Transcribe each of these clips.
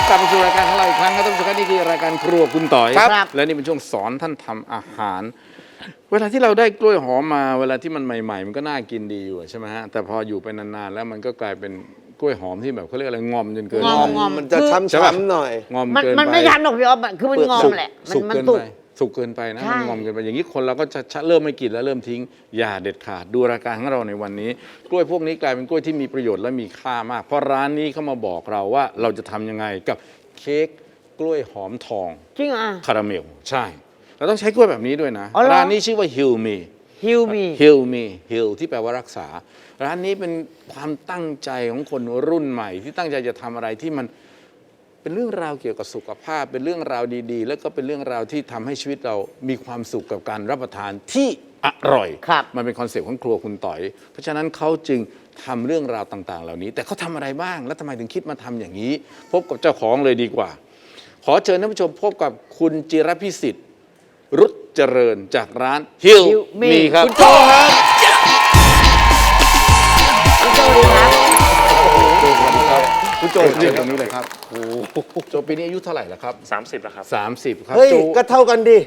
กลับมาสู่รายการของเราอีกครั้งครับท่านผู้ชมครับนี่คือรายการครัวคุณต่อยครับและนี่เป็นช่วงสอนท่านทำอาหาร เวลาที่เราได้กล้วยหอมมาเวลาที่มันใหม่ๆมันก็น่ากินดีอยู่ใช่ไหมฮะแต่พออยู่ไปนานๆแล้วมันก็กลายเป็นกล้วยหอมที่แบบเขาเรียกอะไรงอมจนเกินไปงอมมันจะช้ำๆหน่อยงอมมันเกินไปมันไม่ทันหรอกพี่อ๊อฟคือมันงอมแหละสุกมันเกินสุไปกสุกเกินไปนะใช่มันงอมเกินไปอย่างนี้คนเราก็จะเริ่มไม่กินแล้วเริ่มทิ้งอย่าเด็ดขาดดูรายการของเราในวันนี้ กล้วยพวกนี้กลายเป็นกล้วยที่มีประโยชน์และมีค่ามาก เพราะร้านนี้เขามาบอกเราว่าเราจะทำยังไงกับเค้กกล้วยหอมทองจริงอ่ะคาราเมลใช่ เราต้องใช้กล้วยแบบนี้ด้วยนะอ๋อเหรอร้านนี้ชื่อว่า Heal Me ฮิวมี Heal Me Heal ที่แปลว่ารักษา ร้านนี้เป็นความตั้งใจของคนรุ่นใหม่ ที่ตั้งใจจะทำอะไรที่มันเป็นเรื่องราวเกี่ยวกับสุขภาพ เป็นเรื่องราวดีๆ แล้วก็เป็นเรื่องราวที่ทำให้ชีวิตเรามีความสุขกับการรับประทานที่อร่อยครับมันเป็นคอนเซ็ปต์ของครัวคุณต่อย เพราะฉะนั้นเขาจึงทำเรื่องราวต่างๆ เหล่านี้ แต่เขาทำอะไรบ้าง แล้วทำไมถึงคิดมาทำอย่างนี้ พบกับเจ้าของเลยดีกว่า ขอเชิญท่านผู้ชมพบกับคุณจิรพิสิทธิ์รุจเจริญจากร้านฮิล Heal Me มีครับคุณโจครับคุณโจดีครับคุณโจเรียกตรงนี้เลยครับโอ้โหโจปีนี้อายุเท่าไหร่แล้วครับ 30แล้วครับ 30 ครับเฮ้ยโจก็เท่ากันดิ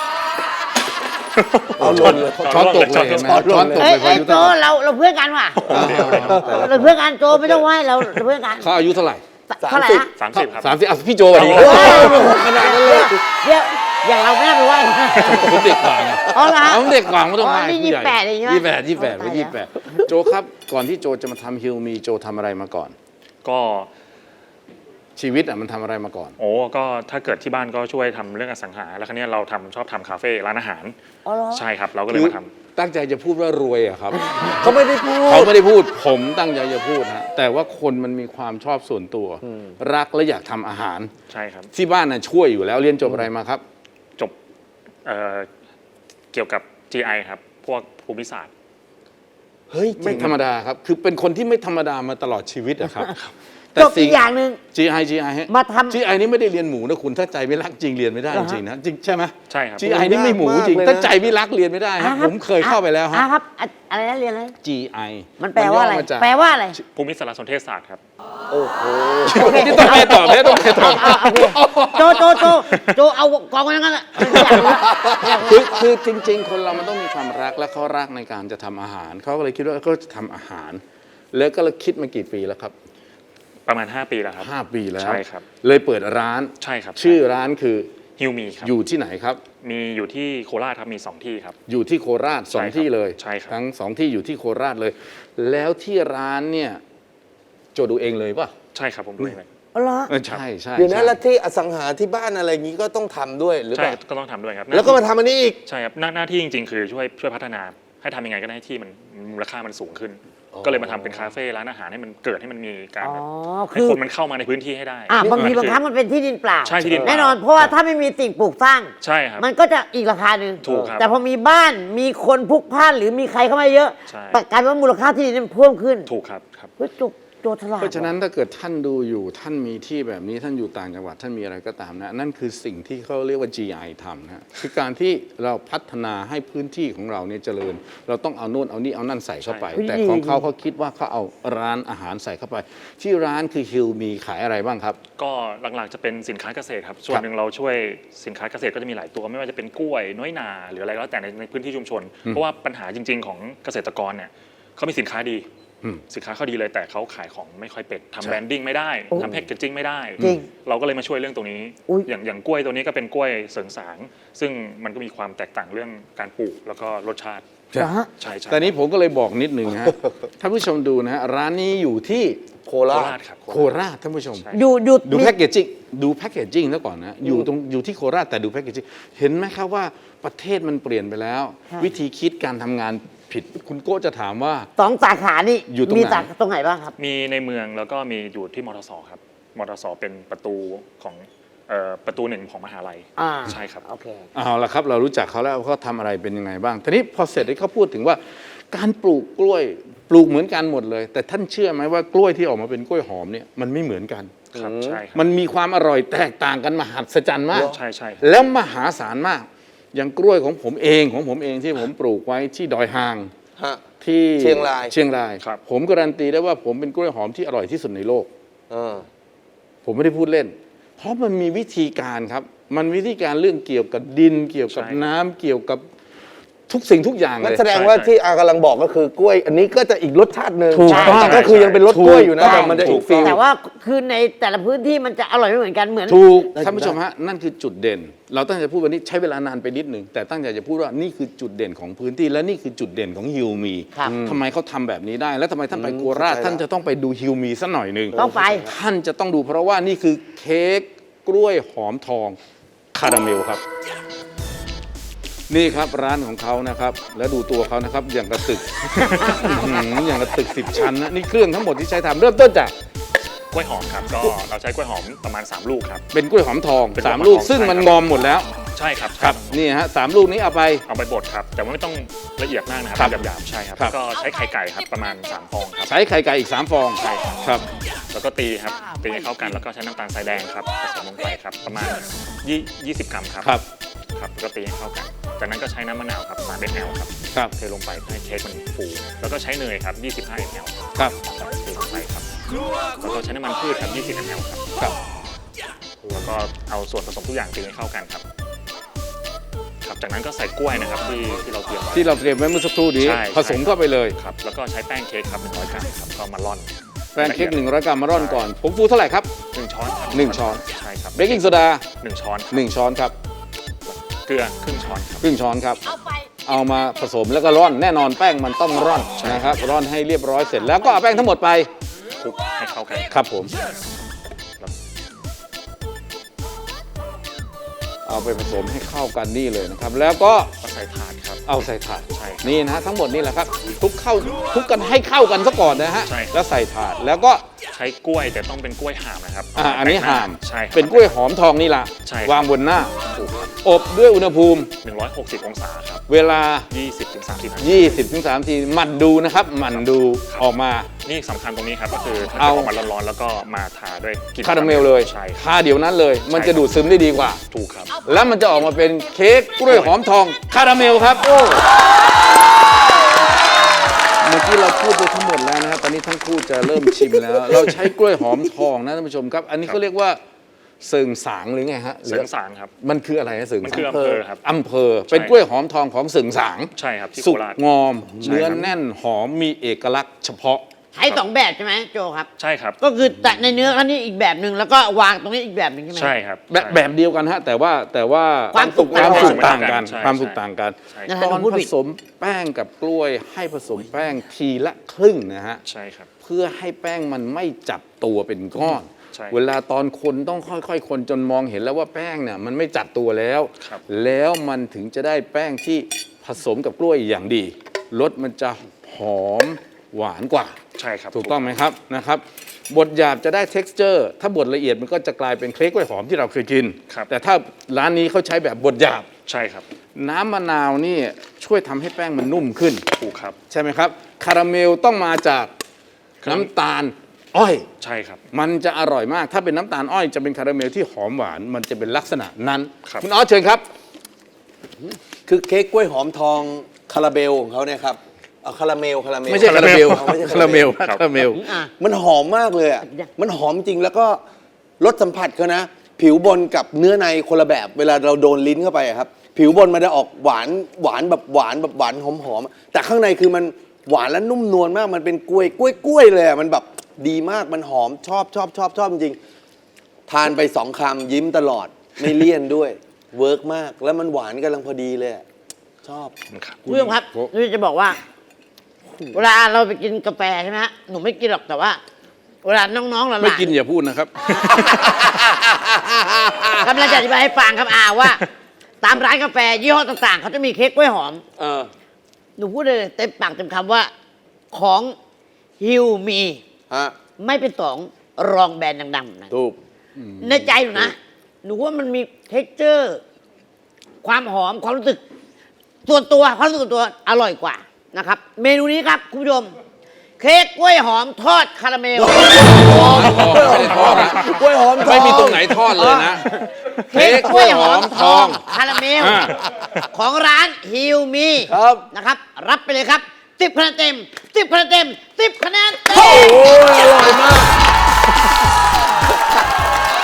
เอาหล่นเลยช้อนตกเลยเห็นไหมช้อนตกเอ้เลย ยพอเอ้ยอายุโจเท่าไหร่เราเพื่อนกันว่ะเราเพื่อนกันโจไม่ต้องไหวเราเพื่อนกันเขาอายุเท่าไหร่เท่าไหร่นะ 30 ครับ 30อ่ะพี่โจสวัสดีครับขนาดนั้นเลยเดี๋ยวอย่างเราไม่น่าไปไหวผมเด็กกว่าไงอ๋อเหรอฮะผมเด็กกว่าไม่ต้องอ๋อให้นี่ผู้ใหญ่ 28เองใช่ไหม 28 ตายแล้วโจครับก่อนที่โจจะมาทำฮิลมีโจทำอะไรมาก่อนก็ชีวิตอ่ะมันทำอะไรมาก่อนโอ้ก็ถ้าเกิดที่บ้านก็ช่วยทำเรื่องอสังหา แล้วครั้นี้เราชอบทำคาเฟ่ร้านอาหารอ๋อเหรอใช่ครับ เราก็เลยมาทำตั้งใจจะพูดว่ารวยอะครับเขาไม่ได้พูดเขาไม่ได้พูดผมตั้งใจจะพูดฮะแต่ว่าคนมันมีความชอบส่วนตัว รักและอยากทำอาหารใช่ครับที่บ้านน่ะช่วยอยู่แล้วเรียนจบอะไรมาครับจบเกี่ยวกับ GI ครับ พวกภูมิศาสตร์เฮ้ยไม่ธรรมดาครับ คือเป็นคนที่ไม่ธรรมดามาตลอดชีวิตอะครับจบอีกอย่างหนึ่ง GI ฮะมาทำ GI นี่ไม่ได้เรียนหมูนะคุณถ้าใจไม่รักจริงเรียนไม่ได้เหรจอฮะริงๆนะจริงใช่ไหมใช่ครับ GI นี่ไม่หมูจริงถ้าใจไม่รักเรียนไม่ได้ครับผมเคยเข้าไปแล้วฮะครับอะไรนะเรียนอะไร GI มันแปลว่าอะไรย่มจกแปลว่าอะไรภูมิสารสนเทศศาสตร์ครับโอ้โหนี่ต้องไปตอบเนี่ยต้องไปตอบโจเอากองไว้นั่นแหละไม่อยากรู้ละไม่อยากรู้คือจริง ๆ คนเรามันต้องมีความรักและเขารักในการจะทำอาหารเขาก็เลยคิดว่าเขาจะทำอาหาร แล้วก็เลยคิดมากี่ปีแล้วครับประมาณ 5 ปีแล้วครับ 5 ปีแล้วใช่ครับเลยเปิดร้านใช่ครับชื่อร้านคือฮิวมีครับอยู่ที่ไหนครับมีอยู่ที่โคราชครับ มี 2 ที่ครับอยู่ที่โคราชสองใช่ครับที่เลยใช่ครับทั้ง2 ที่อยู่ที่โคราชเลย แล้วที่ร้านเนี่ยโจดูเองเลยป่ะใช่ครับผมด้วยเลยอ๋อเหรอใช่ใช่เดี๋ยวนะใช่แล้วที่อสังหาที่บ้านอะไรอย่างนี้ก็ต้องทำด้วยหรือเปใช่ล่าก็ต้องทำด้วยครับแล้วก็มาทำอันนี้อีกใช่ครับหน้าที่จริงๆ คือช่วยพัฒนาให้ทำยังไงก็ได้ให้ที่มันมูลค่ามันสูงขึ้น ก็เลยมาทำเป็นคาเฟ่ร้านอาหารให้มันเกิดให้มันมีการอ๋อแบบให้คือคนมันเข้ามาในพื้นที่ให้ได้บางทีคืบางครั้งมันเป็นที่ดินเปล่าใช่ที่ดินเปล่าแน่นอนเพราะว่าถ้าไม่มีสิ่งปลูกสร้างใช่ครับมันก็จะอีกราคาหนึ่งถูกครับแต่พอมีบ้านมีคนพลุกพล่านหรือมีใครเข้ามาเยอะใช่กลายเป็นว่ามูลค่าที่ดินมันเพิ่มขึ้นถูกครับครับเฮ้ยโจฉลาดเพราะฉะนั้นถ้าเกิดท่านดูอยู่ท่านมีที่แบบนี้ท่านอยู่ต่างจังหวัดท่านมีอะไรก็ตามนะนั่นคือสิ่งที่เขาเรียกว่า GI ทำนะคือการที่เราพัฒนาให้พื้นที่ของเราเนี่ยเจริญ เราต้องเอาโน่นเอานี่เอานั่นใส่เข้าไปใช่แต่ของเขาคิดว่าเขาเอาร้านอาหารใส่เข้าไป ที่ร้านคือฮิลมีขายอะไรบ้างครับก็หลักๆจะเป็นสินค้าเกษตรครับ ส่วนหนึ่งเราช่วยสินค้าเกษตรก็จะมีหลายตัว ไม่ว่าจะเป็นกล้วยน้อยนาหรืออะไรก็แล้วแต่ในพื้นที่ชุมชน เพราะว่าปัญหาจริง ๆ ของเกษตรกรเนี่ยเขามีสินค้าดีอืมสินค้าเขาดีเลยแต่เขาขายของไม่ค่อยเป็นใช่ทำแบรนดิ้งไม่ได้โอ้ทำแพ็กเกจจิ้งไม่ได้จริงเราก็เลยมาช่วยเรื่องตรงนี้อุ๊ยอย่างกล้วยตัวนี้ก็เป็นกล้วยเสริงสาง ซึ่งมันก็มีความแตกต่างเรื่องการปลูกแล้วก็รสชาติเหรอฮะใช่ใช่แต่นี้ผมก็เลยบอกนิดหนึ่งฮะ ท่านผู้ชมดูนะฮะร้านนี้อยู่ที่โคโคราชราชครับโคราชท่านผู้ชมใช่ดูดูมีแพ็กเกจจิ้งแล้วก่อนนะอยู่ที่โคราชแต่ดูแพ็กเกจจิ้งเห็นไหมครับว่าประเทศมันเปลี่ยนไปแล้ว วิธีคิดการทำงานผิดคุณโก้จะถามว่า 2 สาขานี่อยู่ตรงไหนมีสาขาตรงไหนบ้างครับมีในเมืองแล้วก็มีอยู่ที่มทสครับมทสเป็นประตูของประตูหนึ่งของมหาลัยอ่าใช่ครับโอเคเอาละครับเรารู้จักเขาแล้วเขาทำอะไรเป็นยังไงบ้างทีนี้พอเสร็จที่เขาพูดถึงว่า การปลูกกล้วยปลูกเหมือนกันหมดเลย แต่ท่านเชื่อไหมว่ากล้วยที่ออกมาเป็นกล้วยหอมเนี่ยมันไม่เหมือนกันครับใช่ครับมันมีความอร่อยแตกต่างกันมหัศจรรย์มากใช่ใช่แล้วมหาศาลมาก อย่างกล้วยของผมเองที่ผมปลูกไว้ที่ดอยหางฮะที่เชียงรายเชียงรายครับผมการันตีได้ว่าผมเป็นกล้วยหอมที่อร่อยที่สุดในโลกเออผมไม่ได้พูดเล่นเพราะมันมีวิธีการครับ มันวิธีการเรื่องเกี่ยวกับดิน เกี่ยวกับใช่น้ำเกี่ยวกับทุกสิ่งทุกอย่างนั่เลนยแสดงว่าที่อากำลังบอกก็คือกล้วย อันนี้ก็จะอีกรสชาติหนึ่งถูกต้องแต่ก็คือยังเป็นรสกล้วยอยู่นะถูกต้องแต่มันจะอีกฟีลแต่ว่าคือในแต่ละพื้นที่มันจะอร่อยไม่เหมือนกันเหมือนถูกได้ท่านผู้ชมฮะนั่นคือจุดเด่น เราตั้งใจพูดวันนี้ใช้เวลานานไปนิดหนึ่งแต่ตั้งใจจะพูดว่านี่คือจุดเด่นของพื้นที่และนี่คือจุดเด่นของฮิวมีครับทำไมเขาทำแบบนี้ได้ และทำไมท่านไปโคราชเข้าใจแล้วท่านจะต้องไปดูฮิวมีสักหน่อยหนึ่งต้องไปท่านจะต้องดูเพราะว่านี่คือเค้กกล้วยหอมทองคาราเมลครับ นี่ครับร้านของเขานะครับ แล้วดูตัวเขานะครับอย่างกระตึก อย่างกระตึก10 ชั้นนะนี่เครื่องทั้งหมดที่ใช้ทำเริ่มต้นจากกล้วยหอมครับก็เราใช้กล้วยหอมประมาณ 3 ลูกครับเป็นกล้วยหอมทองเป็นกล้วยหอม 3 ลูกทองซึ่งใช่มันครับงอมหมดแล้วใช่ครับครับนี่ฮะ3 ลูกนี้เอาไปเอาไปบดครับ แต่ว่าไม่ต้องละเอียดมากนะครับครับหยาบๆใช่ครับครับก็ใช้ไข่ไก่ครับประมาณ3ฟองครับใช้ไข่ไก่อีก3 ฟองใช่ครับครับแล้วก็ตีครับตีให้เข้ากันแล้วก็ใช้น้ำตาลทรายแดงครับผสมลงไปครับประมาณ20 กรัมครับครับครับแล้วก็ตีให้เข้ากัน จากนั้นก็ใช้น้ำมะนาวครับ3 ml ครับครับเทลงไปเพื่อให้เค้กมันฟู แล้วก็ใช้เนยครับ25 ml ครับเทลงไปครับแล้วก็ใช้น้ำมันพืชครับ20 ml ครับครับแล้วก็เอาส่วนผสมทุกอย่างตีให้เข้ากันครับ ครับจากนั้นก็ใส่กล้วยนะครับที่เราเตรียมไว้ที่เราเตรียมไว้เมื่อสักครู่นี้ใช่ผสมเข้าไปเลยครับแล้วก็ใช้แป้งเค้กครับ100 กรัมครับก็มาร่อนแป้งเค้ก100 กรัมมาร่อนก่อนผงฟูเท่าไหร่ครับ 1 ช้อนครับ 1 ช้อนใช่ครับเบกกิ้งโซดา 1 ช้อน 1 ช้อนครับเกลือครึ่งช้อนครับครึ่งช้อนครับ เอามาผสมแล้วก็ร่อนแน่นอนแป้งมันต้องร่อนนะครับร่อนให้เรียบร้อยเสร็จแล้วก็เอาแป้งทั้งหมดไปคลุกให้เข้ากันครับผมเอาไปผสมให้เข้ากันนี่เลยนะครับ แล้วก็ก็ใส่ถาดครับเอาใส่ถาดใช่ครับนี่นะฮะทั้งหมดนี่แหละครับคลุกกันให้เข้ากันซะก่อนนะฮะใช่แล้วใส่ถาดแล้วก็ใช้กล้วยแต่ต้องเป็นกล้วยห่ามนะครับอันนี้ห่ามใช่ครับเป็นกล้วยหอมทองนี่ล่ะใช่ครับวางบนหน้าถูกครับอบด้วยอุณหภูมิ 160 องศาครับเวลา 20-30 นาที 20-30 ทีหมั่นดูนะครับหมั่นดูออกมานี่สำคัญตรงนี้ครับก็คือถ้าเอาจะออกมาร้อนๆแล้วก็มาทาด้วยกลิ่นคาราเมลเลยใช่ครับทาเดี๋ยวนั้นเลย มันจะดูดซึมได้ดีกว่าถูกครับแล้วมันจะออกมาเป็นเค้กกล้วยหอมทองคาราเมลครับเมื่อกี้เราพูดไปทั้งหมดแล้วนะครับตอนนี้ทั้งคู่จะเริ่มชิมแล้ว เราใช้กล้วยหอมทองนะท่านผู้ชมครับ อันนี้เขาเรียกว่าเสิงสางหรือไงฮะหเสรืริอมสารครับมันคืออะไรนะเสิงมันสางคืออำเภอครับอำเภอเป็นกล้วยหอมทองของเสิงสางใช่ครับที่สุโคกราชงอมใช่เนื้อครับแน่นหอมมีเอกลักษณ์เฉพาะใช้2 แบบใช่ไหมโจครับใช่ครับก็คือแต่ในเนื้อเขานี่อีกแบบหนึ่งแล้วก็วางตรงนี้อีกแบบหนึ่งใช่ไหมใช่ครับแบบเดียวกันฮะแต่ว่าความสุขความสุขต่าต่าง งกักัน นความสุขต่างกันใช่นะตฮะอนพูดผผิดสมแป้งกับกล้วยให้ผสมแป้งทีละครึ่งนะฮะใช่ครับเพื่อให้แป้งมันไม่จับตัวเป็นก้อนใช่เวลาตอนคนต้องค่อยๆ คนจนมองเห็นแล้วว่าแป้งเนี่ยมันไม่จับตัวแล้วครับแล้วมันถึงจะได้แป้งที่ผสมกับกล้วยอย่างดีรสมันจะหอมหวานกว่าใช่ครับถูกต้องไหมครับนะครับบดหยาบจะได้ texture ถ้าบดละเอียดมันก็จะกลายเป็นเค้กกล้วยหอมที่เราเคยกินครับแต่ถ้าร้านนี้เขาใช้แบบบดหยาบใช่ครับน้ำมะนาวนี่ช่วยทำให้แป้งมันนุ่มขึ้นถูกครับใช่ไหมครับ คาราเมลต้องมาจากน้ำตาลอ้อยใช่ครับมันจะอร่อยมาก ถ้าเป็นน้ำตาลอ้อยจะเป็นคาราเมลที่หอมหวาน มันจะเป็นลักษณะนั้นครับคุณออสเชิญครับคือเค้กกล้วยหอมทองคาราเบลของเขาเนี่ยครับเอาคาราเมลไม่ใช่คาราเมลไม่ใช่คาราเมลคาราเมลอ่ะมันหอมมากเลยอ่ะมันหอมจริงแล้วก็รสสัมผัสเขานะ ผิวบนกับเนื้อในคนละแบบ เวลาเราโดนลิ้นเข้าไปอะครับ ผิวบนมันจะออกหวานหวานแบบหวานแบบหวานหอมๆแต่ข้างในคือมันหวานและนุ่มนวลมากมันเป็นกล้วยเลยอะมันแบบดีมากมันหอมชอบจริงทานไป2 คำยิ้มตลอดไม่เลี่ยนด้วยเวิร์กมากแล้วมันหวานกำลังพอดีเลยอะชอบครับคุณผู้ชมครับนี่จะบอกว่า เวลาเราไปกินกาแฟใช่ไหมฮะหนูไม่กินหรอกแต่ว่า เวลาน้องๆหลานๆไม่กินอย่าพูดนะครับกำลังจะอธิบายให้ฟังครับว่า ตามร้านกาแฟยี่ห้อต่างๆเขาจะมีเค้กกล้วยหอมเออหนูพูดเลยเต็มปากเต็มคำว่าของฮิวมีฮะไม่เป็นสองรองแบรนด์ดังๆนะถูกในใจหนูนะหนูว่ามันมีเท็กเจอร์ ความหอมความรู้สึกส่วนตัวความรู้สึกส่วนตัวอร่อยกว่านะครับ เมนูนี้ครับคุณผู้ชมเค้กกล้วยหอมทอดคาราเมลไม่ได้ทอดนะกล้วยหอมทองไม่มีตรงไหนทอดเลยนะเค้กกล้วยหอมทองเค้กกล้วยหอมทองคาราเมลอ่าของร้านฮิวมีครับนะครับ รับไปเลยครับ10 คะแนนเต็ม10 คะแนนเต็ม10 คะแนนเต็มโอ้ยอร่อยมาก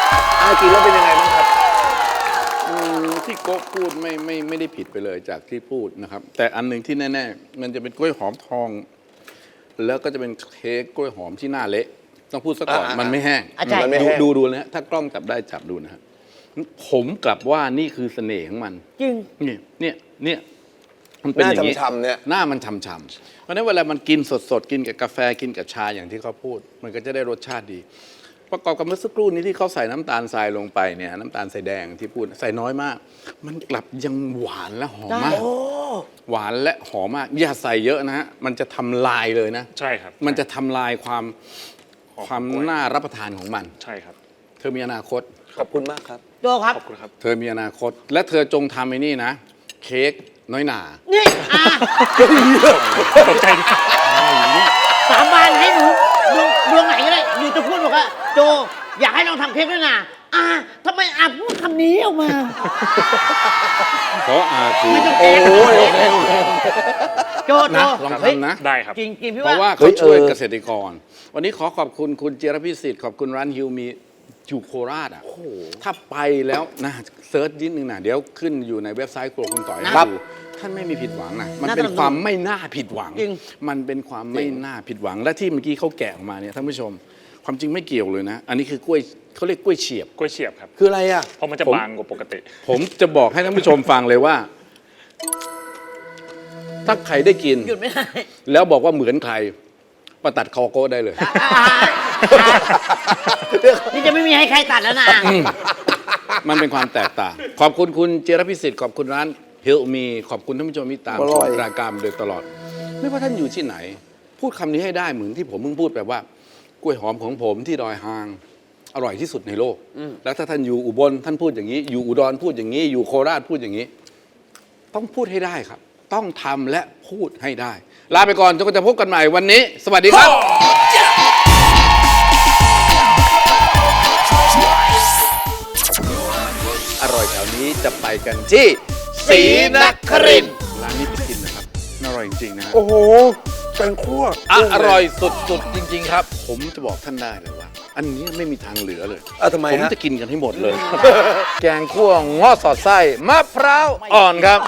กินแล้วเป็นยังไงบ้างครับที่โก้พูดไม่ได้ผิดไปเลยจากที่พูดนะครับ แต่อันหนึ่งที่แน่ๆมันจะเป็นกล้วยหอมทอง แล้วก็จะเป็นเค้กกล้วยหอมที่หน้าเละต้องพูดซะก่อนอ่ามัมันไม่แห้งอ่ะใช่มันไม่แห้งดูนะฮะถ้ากล้องจับได้จับดูนะครับผมกลับว่านี่คือเสน่ห์ของมันจริงเนี่ยมันเป็นอย่างนี้หน้าฉ่ำๆเนี่ยหน้ามันฉ่ำๆเพราะฉะนั้นเวลามันกินสดๆกินกับกาแฟกินกับชาอย่างที่เขาพูด มันก็จะได้รสชาติดี ประกอบกับเมื่อสักครู่นี้ที่เขาใส่น้ำตาลทรายลงไปเนี่ยน้ำตาลทรายแดงที่พูดใส่น้อยมาก มันกลับยังหวานและหอมมาก หวานและหอมมากอย่าใส่เยอะนะฮะมันจะทำลายเลยนะใช่ครับมันจะทำลายความน่ารับประทานของมันใช่ครับเธอมีอนาคตขอบคุณมากครับโจครับขอบคุณครับเธอมีอนาคต และเธอจงทำไอ้นี่นะ เค้กน้อยหนานี่ตกใจดิสาบานให้หนูดวงไหนก็ได้อยู่จะพูดบอกว่าโจอยากให้ลองทำเค้กด้วยนะทำไมพูดคำนี้ออกมาเพราะอาคือไม่ต้องโอ้แก้ยโอเคโอเคโจนะลองทำนะได้ครับจริงๆพี่เพราะว่าว่าเขาช่วยเฮ้ยเกษตรกร วันนี้ขอขอบคุณคุณเจรพิสิทธิ์ขอบคุณร้านฮิวมีอยู่โคราชอ่ะถ้าไปแล้วนะเซิร์ชนิดนึงนะเดี๋ยวขึ้นอยู่ในเว็บไซต์ครัวคุณต่อยให้ครับดูท่านไม่มีผิดหวังนะมันเป็นความไม่น่าผิดหวังจริงมันเป็นความไม่น่าผิดหวัง และที่เมื่อกี้เขาแกะออกมาเนี่ยท่านผู้ชม ความจริงไม่เกี่ยวเลยนะ อันนี้คือกล้วยเขาเรียกกล้วยเฉียบกล้วยเฉียบครับคืออะไรอ่ะเพราะมันจะผมบางกว่าปกติผมจะบอกให้ท่านผู้ชมฟังเลยว่า ถ้าใครได้กินหยุดไม่ได้แล้วบอกว่าเหมือนใครประตัดคอโก้ได้เลยนี่จะไม่มีให้ใครตัดแล้วนะมันเป็นความแตกต่าง ขอบคุณคุณเจรพิสิทธิ์ขอบคุณร้านเฮลมีขอบคุณท่านผู้ชมที่ตามอชร่มอยรายการมาโดยตลอด ไม่ว่าท่านอยู่ที่ไหน พูดคำนี้ให้ได้เหมือนที่ผมเพิ่งพูดแบบว่ากล้วยหอมของผมที่ดอยหาง อร่อยที่สุดในโลก แล้วถ้าท่านอยู่อุบลท่านพูดอย่างนี้ อยู่อุดรพูดอย่างนี้ อยู่โคราชพูดอย่างนี้ ต้องพูดให้ได้ครับ ต้องทำและพูดให้ได้ ลาไปก่อนจนกว่าจะพบกันใหม่วันนี้ สวัสดีครับ อร่อยแถวนี้จะไปกันที่ศรีนครินทร์ร้านนี้ไปกินนะครับอร่อยจริงๆนะฮะโอ้โหแตงคั่วอร่อยสุดๆจริง ๆ ครับ ผมจะบอกท่านได้เลยว่า อันนี้ไม่มีทางเหลือเลยทำไมผมฮะจะกินกันให้หมดเลย แกงคั่วง้อสอดไส้มะพร้าวอ่อนครับ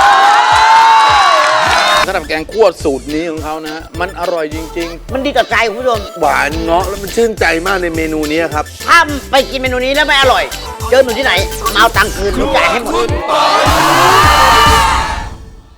สำหรับแกงคั่วสูตรนี้ของเขานะฮะมันอร่อยจริงมันดีต่อใจคุณผู้ชมหวานเงาะแล้วมันชื่นใจมากในเมนูนี้ครับถ้าไปกินเมนูนี้แล้วไม่อร่อย เจอหนูที่ไหนมาเอาตังค์คืนหนูจ่ายให้หมด